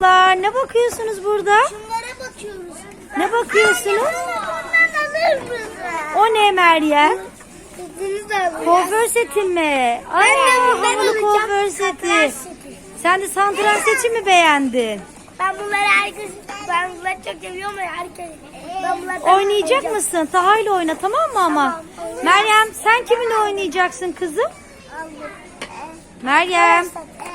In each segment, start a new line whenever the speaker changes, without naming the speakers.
Ne bakıyorsunuz burada?
Şunlara bakıyoruz.
Ne bakıyorsunuz?
Ondan alır mısın?
O ne Meryem?
Kızınız da alır.
Kuaför seti mi? Ay,
bundan
havalı
alacağım.
kuaför seti. Sen de santral seti mi beğendin?
Ben bunları çok seviyorum ya herkes. Ben bunlardan
Oynayacak
alacağım.
mısın? Taha'yla oyna, tamam mı ama?
Tamam.
Meryem, sen kiminle oynayacaksın kızım? Meryem,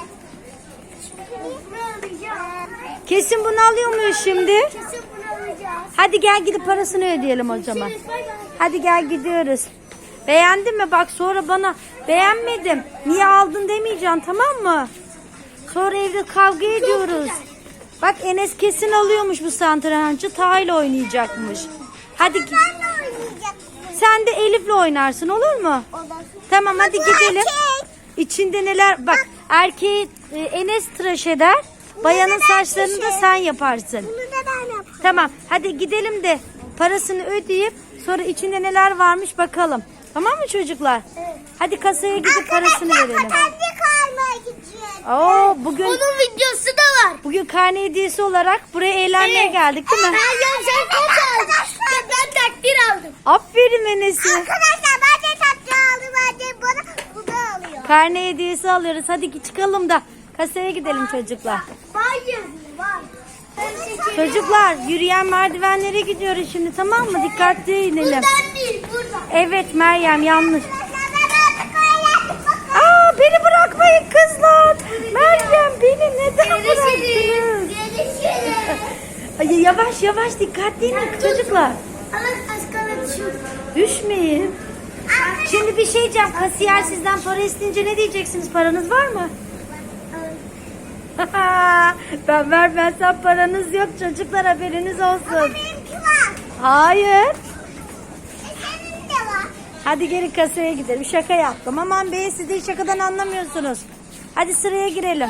kesin bunu alıyor muyuz şimdi?
Kesin bunu alacağız.
Hadi gel gidip parasını ödeyelim o zaman. Hadi gel gidiyoruz. Beğendin mi? Bak sonra bana beğenmedim, niye aldın demeyeceksin, tamam mı? Sonra evde kavga ediyoruz. Bak Enes kesin alıyormuş bu satrancı. Taha'yla oynayacakmış. Hadi
Ben de oynayacağım.
sen de Elif'le oynarsın, olur mu? Tamam hadi gidelim. İçinde neler? Bak erkeği Enes tıraş eder. Bayanın saçlarını da sen yaparsın.
Bunu da ben yapayım.
Tamam hadi gidelim de parasını ödeyip sonra içinde neler varmış bakalım. Tamam mı çocuklar?
Evet.
Hadi kasaya gidip parasını verelim.
Patenci kalmaya gideceğiz.
Oo, bugün
videosu da var.
bugün karne hediyesi olarak buraya eğlenmeye geldik değil mi?
Meryem sen kaç aldın? Ben takdir aldım.
Aferin Enes'e.
Arkadaşlar ben de takdir aldım. Ben de bana bu da alıyor.
Karne hediyesi alıyoruz. Hadi çıkalım da kasaya gidelim çocuklar.
Var yazıyor var.
Çocuklar yürüyen merdivenlere gidiyoruz şimdi, tamam mı? Dikkatli inelim.
Buradan değil buradan.
Evet Meryem, yanlış.
Arkadaşlar
Aa, beni bırakmayın kızlar. Meryem beni neden bıraktınız?
Görüşürüz.
Ay, yavaş yavaş dikkatli inin çocuklar.
Allah aşkına düşün.
Düşmeyin. Şimdi bir şey diyeceğim. Kasiyer sizden para isteyince ne diyeceksiniz? Paranız var mı? Ben vermezsem paranız yok çocuklar, haberiniz olsun.
Benimki var.
Hayır.
Senin de var.
Hadi gelin kasaya gidelim. Şaka yaptım. Aman be, siz de hiç şakadan anlamıyorsunuz. Hadi sıraya girelim.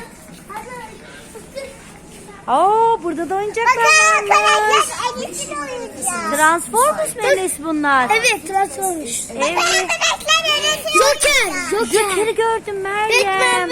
Oo, burada da oyuncaklar
Bakın
varmış.
arkadaşlar Enes'in oynayacağız.
Transformers mu Enes bunlar?
Evet transformuş.
Evet.
Arkadaşlar Enes'in oynayacağız.
Joker'i gördüm Meryem.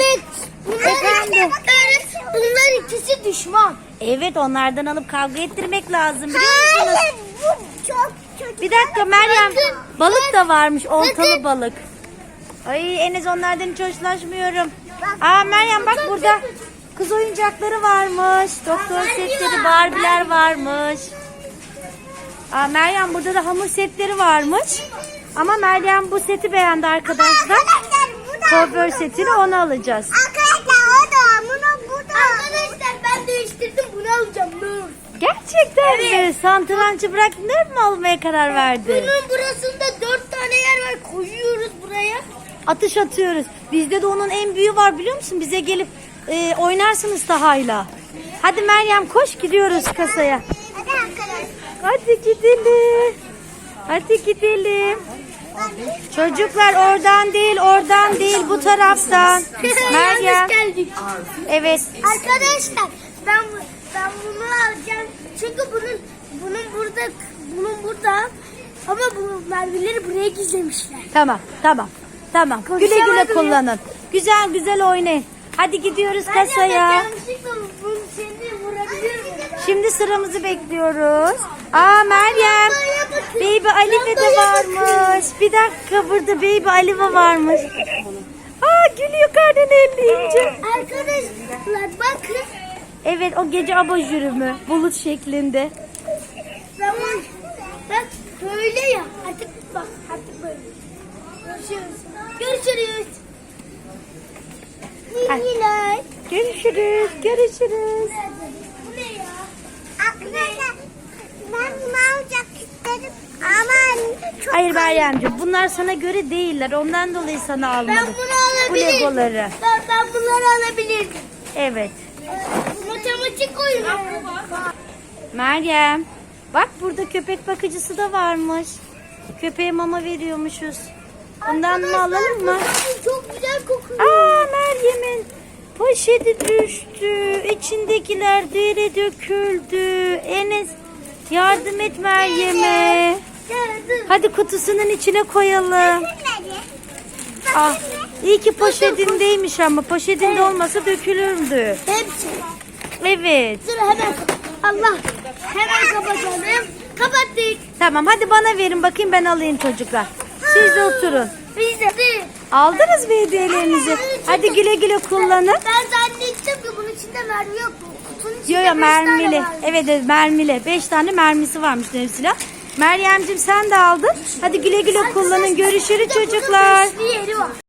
Bunlar ikisi düşman.
Evet, onlardan alıp kavga ettirmek lazım, biliyor musunuz?
Hayır bu çok kötü.
Bir dakika Meryem,
Bakın,
balık da varmış, oltalı
bakın.
balık. Ay Enes, onlardan hiç hoşlaşmıyorum. Aa Meryem bak, burada kız oyuncakları varmış. Doktor setleri, Barbie'ler varmış. Aa Meryem, burada da hamur setleri varmış. Ama Meryem bu seti beğendi arkadaşlar.
Arkadaşlar bu da.
Kuaför setini, onu alacağız.
Arkadaşlar o da bunu bu da. Arkadaşlar ben değiştirdim bunu alacağım. Nur.
Gerçekten mi? Santrancı bıraktın, ne mi almaya karar verdin?
Bunun burasında 4 tane yer var. Koyuyoruz buraya.
Atış atıyoruz. Bizde de onun en büyüğü var, biliyor musun? Bize gelip oynarsınız Taha'yla. Hadi Meryem koş, gidiyoruz kasaya.
Hadi arkadaşlar.
Hadi gidelim. Hadi gidelim. Çocuklar oradan değil bu taraftan. Meryem.
geldik.
Evet.
Arkadaşlar ben bunu alacağım. Çünkü bunun burada ama bu mermileri buraya gizlemişler.
Tamam. Güle güle
Konuşamadım ya.
kullanın. Güzel güzel oynayın. Hadi gidiyoruz
Ben
kasaya.
yanlışlıkla bunu seni vurabilir miyim?
Şimdi sıramızı bekliyoruz. Aa Meryem, Baby Alive de varmış. Bir dakika, burada Baby Alive varmış. Aa, gülüyor karnını elleyince.
Arkadaşlar bakın.
Evet, o gece abajürü mü? Bulut şeklinde.
Bak böyle ya. Artık bak artık böyle. Görüşürüz.
Ay.
Yine.
Görüşürüz.
Bu ne ya? Arkadaşlar ben bunu alacak istedim ama çok
Hayır Meryemciğim, bunlar sana göre değiller. Ondan dolayı sana
ben
almadım.
bunu
Bu
alabilirim.
legoları.
Ben bunları alabilirim.
Evet.
Matematik oyunu.
Meryem, bak burada köpek bakıcısı da varmış. Köpeğe mama veriyormuşuz. Bundan mı alalım mı?
Çok güzel kokuyor.
Aa, Meryem'in poşeti düştü. İçindekiler yere döküldü. Enes, yardım et Meryem'e. Hadi kutusunun içine koyalım. Ah, iyi ki poşetindeymiş ama poşetinde olmasa dökülürdü.
Hepsi.
Evet.
Dur hemen. Allah. Hemen kapatalım. Kapattık.
Tamam hadi bana verin bakayım ben alayım çocuklar. Siz de oturun.
Biz de.
Aldınız mı hediyelerinizi? Hadi güle güle kullanın.
Ben zannettim ki bunun içinde mermi yok. Kutunun içinde
Yo yo
5 tane
mermili.
var.
Evet mermili. 5 tane mermisi varmış Nevzila. Meryem'cim sen de aldın. Hadi güle güle kullanın. Görüşürüz çocuklar.
Bunun 5'li yeri var.